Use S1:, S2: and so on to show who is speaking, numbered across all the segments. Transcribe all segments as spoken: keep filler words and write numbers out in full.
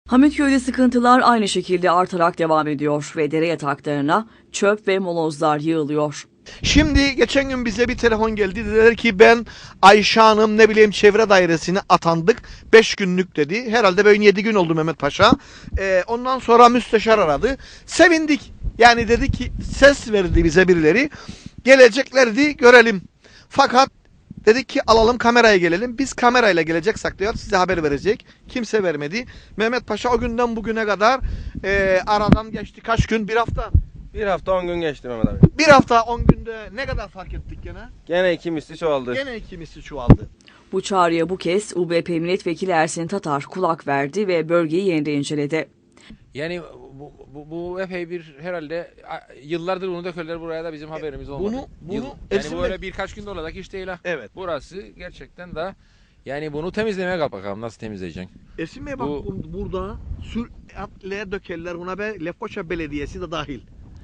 S1: Hamitköy'de sıkıntılar aynı şekilde artarak devam ediyor ve dere yataklarına çöp ve molozlar yığılıyor.
S2: Şimdi geçen gün bize bir telefon geldi. Dediler ki ben Ayşe Hanım ne bileyim çevre dairesine atandık. beş günlük dedi. Herhalde böyle yedi gün oldu Mehmet Paşa. Ee, ondan sonra müsteşar aradı. Sevindik. Yani dedi ki ses verdi bize birileri. Geleceklerdi görelim. Fakat dedik ki alalım kameraya gelelim. Biz kamerayla geleceksek diyor size haber verecek. Kimse vermedi. Mehmet Paşa o günden bugüne kadar e, aradan geçti kaç gün? Bir hafta.
S3: Bir hafta on gün geçti Mehmet abi.
S2: Bir hafta on günde ne kadar fark ettik gene?
S3: Gene iki misli çoğaldı.
S2: Gene iki misli çoğaldı.
S1: Bu çağrıya bu kez U B P Milletvekili Ersin Tatar kulak verdi ve bölgeyi yeniden inceledi.
S4: Yani bu, bu, bu epey bir herhalde yıllardır bunu dökerler buraya da bizim haberimiz olmadı.
S2: Bunu, bunu
S4: Yıl, yani
S2: Ersin
S4: bu öyle
S2: Bey-
S4: birkaç günde olacak iş değil ha.
S2: Evet.
S4: Burası gerçekten de yani bunu temizlemeye kalk bakalım nasıl temizleyeceksin.
S2: Ersin Bey bak
S4: Bu-
S2: bu- burada süratle dökerler buna ve Lefkoşa Belediyesi de dahil.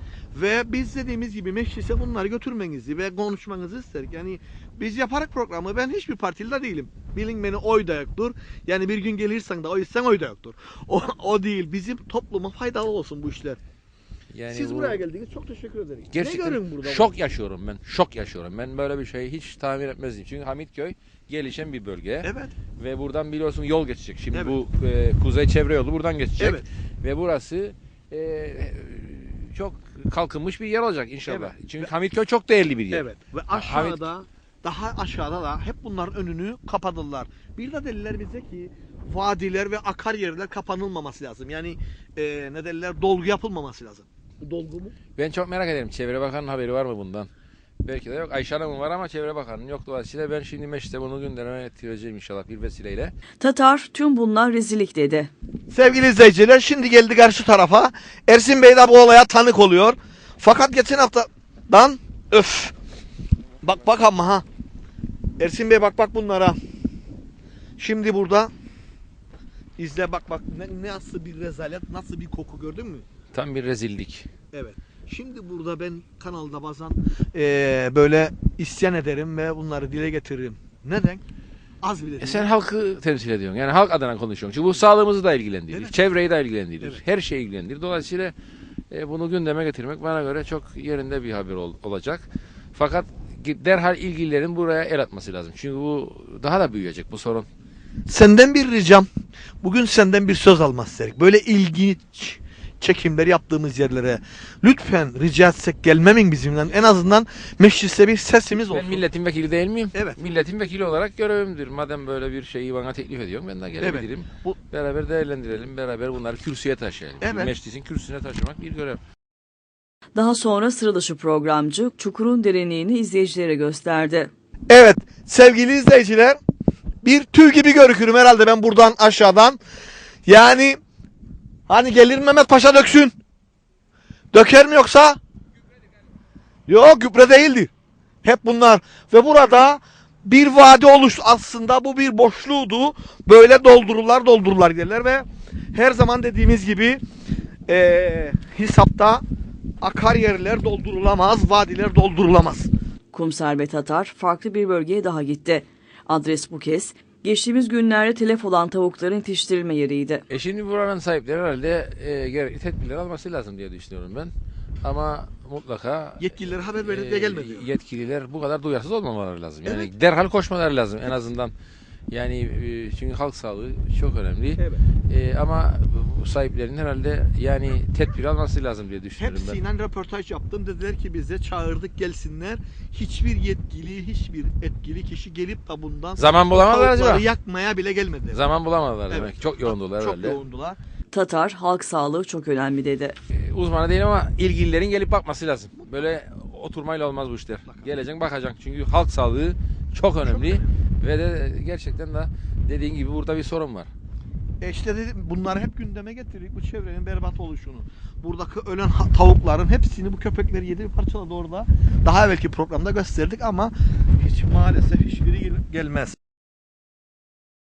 S2: Ve biz dediğimiz gibi meclise bunları götürmenizi ve konuşmanızı isterik. Yani biz yaparak programı ben hiçbir partili de değilim. Bilin beni oy da yoktur. Yani bir gün gelirsen de oy sen oy da yoktur. O, o değil. Bizim topluma faydalı olsun bu işler.
S4: Yani
S2: Siz
S4: bu-
S2: buraya geldiniz. Çok teşekkür ederim. ne
S4: Gerçekten
S2: görün burada?
S4: şok yaşıyorum ben. Şok yaşıyorum. Ben böyle bir şey hiç tahmin etmezdim. Çünkü Hamitköy gelişen bir bölge.
S2: Evet.
S4: Ve buradan biliyorsun yol geçecek. Şimdi
S2: Evet.
S4: bu e, kuzey çevre yolu buradan geçecek.
S2: Evet.
S4: Ve burası e, çok kalkınmış bir yer olacak inşallah.
S2: Evet.
S4: Çünkü Hamitköy çok değerli bir yer.
S2: Evet. Ve aşağıda daha aşağıda da hep bunların önünü kapadılar. Bir de dediler bize ki vadiler ve akar yerler kapanılmaması lazım. Yani e, ne derler dolgu yapılmaması lazım. Bu dolgu mu?
S4: Ben çok merak ederim. Çevre Bakanı'nın haberi var mı bundan? Belki de yok. Ayşe Hanım'ın var ama Çevre Bakanı'nın yok. Dolayısıyla ben şimdi mecliste bunu gündeme getireceğim inşallah bir vesileyle.
S1: Tatar tüm bunlar rezillik dedi.
S2: Sevgili izleyiciler şimdi geldi karşı tarafa. Ersin Bey de bu olaya tanık oluyor. Fakat geçen haftadan öf. Bak bak ama ha. Ersin Bey bak bak bunlara. Şimdi burada izle bak bak ne, nasıl bir rezalet, nasıl bir koku gördün mü?
S4: Tam bir rezillik.
S2: Evet. Şimdi burada ben kanalda bazen eee, böyle isyan ederim ve bunları dile getiririm. Neden? Az bile
S4: E
S2: değil.
S4: sen halkı temsil ediyorsun. Yani halk adına konuşuyorsun. Çünkü bu sağlığımızı da ilgilendirir.
S2: Evet.
S4: Çevreyi de ilgilendirir.
S2: Evet.
S4: Her şeyi ilgilendirir. Dolayısıyla e, bunu gündeme getirmek bana göre çok yerinde bir haber ol- olacak. Fakat derhal ilgililerin buraya el atması lazım. Çünkü bu daha da büyüyecek bu sorun.
S2: Senden bir ricam. Bugün senden bir söz almak istedik. Böyle ilginç çekimler yaptığımız yerlere lütfen rica etsek gelmemin bizimle. En azından mecliste bir sesimiz olsun.
S4: Ben milletin vekili değil miyim?
S2: Evet.
S4: Milletin vekili olarak görevimdir. Madem böyle bir şeyi bana teklif ediyorsun ben de gelebilirim.
S2: Bu-
S4: Beraber değerlendirelim. Beraber bunları kürsüye taşıyalım. Çünkü
S2: Evet.
S4: meclisin kürsüsüne taşımak bir görev.
S1: Daha sonra sıra dışı programcı çukurun derinliğini izleyicilere gösterdi.
S2: Evet sevgili izleyiciler bir tüy gibi görükürüm herhalde ben buradan aşağıdan. Yani hani gelir Mehmet Paşa döksün. Döker mi yoksa? Yok gübre değildir. Hep bunlar. Ve burada bir vadi oluştu. Aslında bu bir boşluğdu. Böyle doldururlar doldururlar giderler ve her zaman dediğimiz gibi eee hesapta akar yerler doldurulamaz, vadiler doldurulamaz.
S1: Kumser ve Tatar farklı bir bölgeye daha gitti. Adres bu kez geçtiğimiz günlerde telef olan tavukların yetiştirilme yeriydi.
S4: E şimdi buranın sahipleri herhalde e, gerekli tedbirler alması lazım diye düşünüyorum ben. Ama mutlaka
S2: Yetkililere haber verildi
S4: e,
S2: de gelmedi.
S4: yetkililer bu kadar duyarsız olmamaları lazım. Yani derhal koşmaları lazım en azından. Yani e, çünkü halk sağlığı çok önemli.
S2: Evet.
S4: E, ama bu sahiplerin herhalde yani tedbir alması lazım diye düşünüyorum ben.
S2: Hepsiyle röportaj yaptım. Dediler ki bize çağırdık gelsinler. Hiçbir yetkili, hiçbir etkili kişi gelip de bundan
S4: Zaman bulamadılar
S2: tavukları
S4: acaba?
S2: yakmaya bile gelmediler.
S4: Zaman bulamadılar
S2: Evet.
S4: demek. Çok yoğundular
S2: Çok
S4: herhalde.
S2: yoğundular.
S1: Tatar halk sağlığı çok önemli dedi.
S4: E, uzmanı değilim ama ilgililerin gelip bakması lazım. Böyle oturmayla olmaz bu işler. Geleceksin bakacaksın. Çünkü halk sağlığı çok önemli. Ve de gerçekten de dediğin gibi burada bir sorun var.
S2: E işte dedim, bunları hep gündeme getirdik. Bu çevrenin berbat oluşunu. Buradaki ölen ha- tavukların hepsini bu köpekler yedi parçaladı orada. Daha evvelki programda gösterdik ama hiç maalesef hiçbiri gel- gelmez.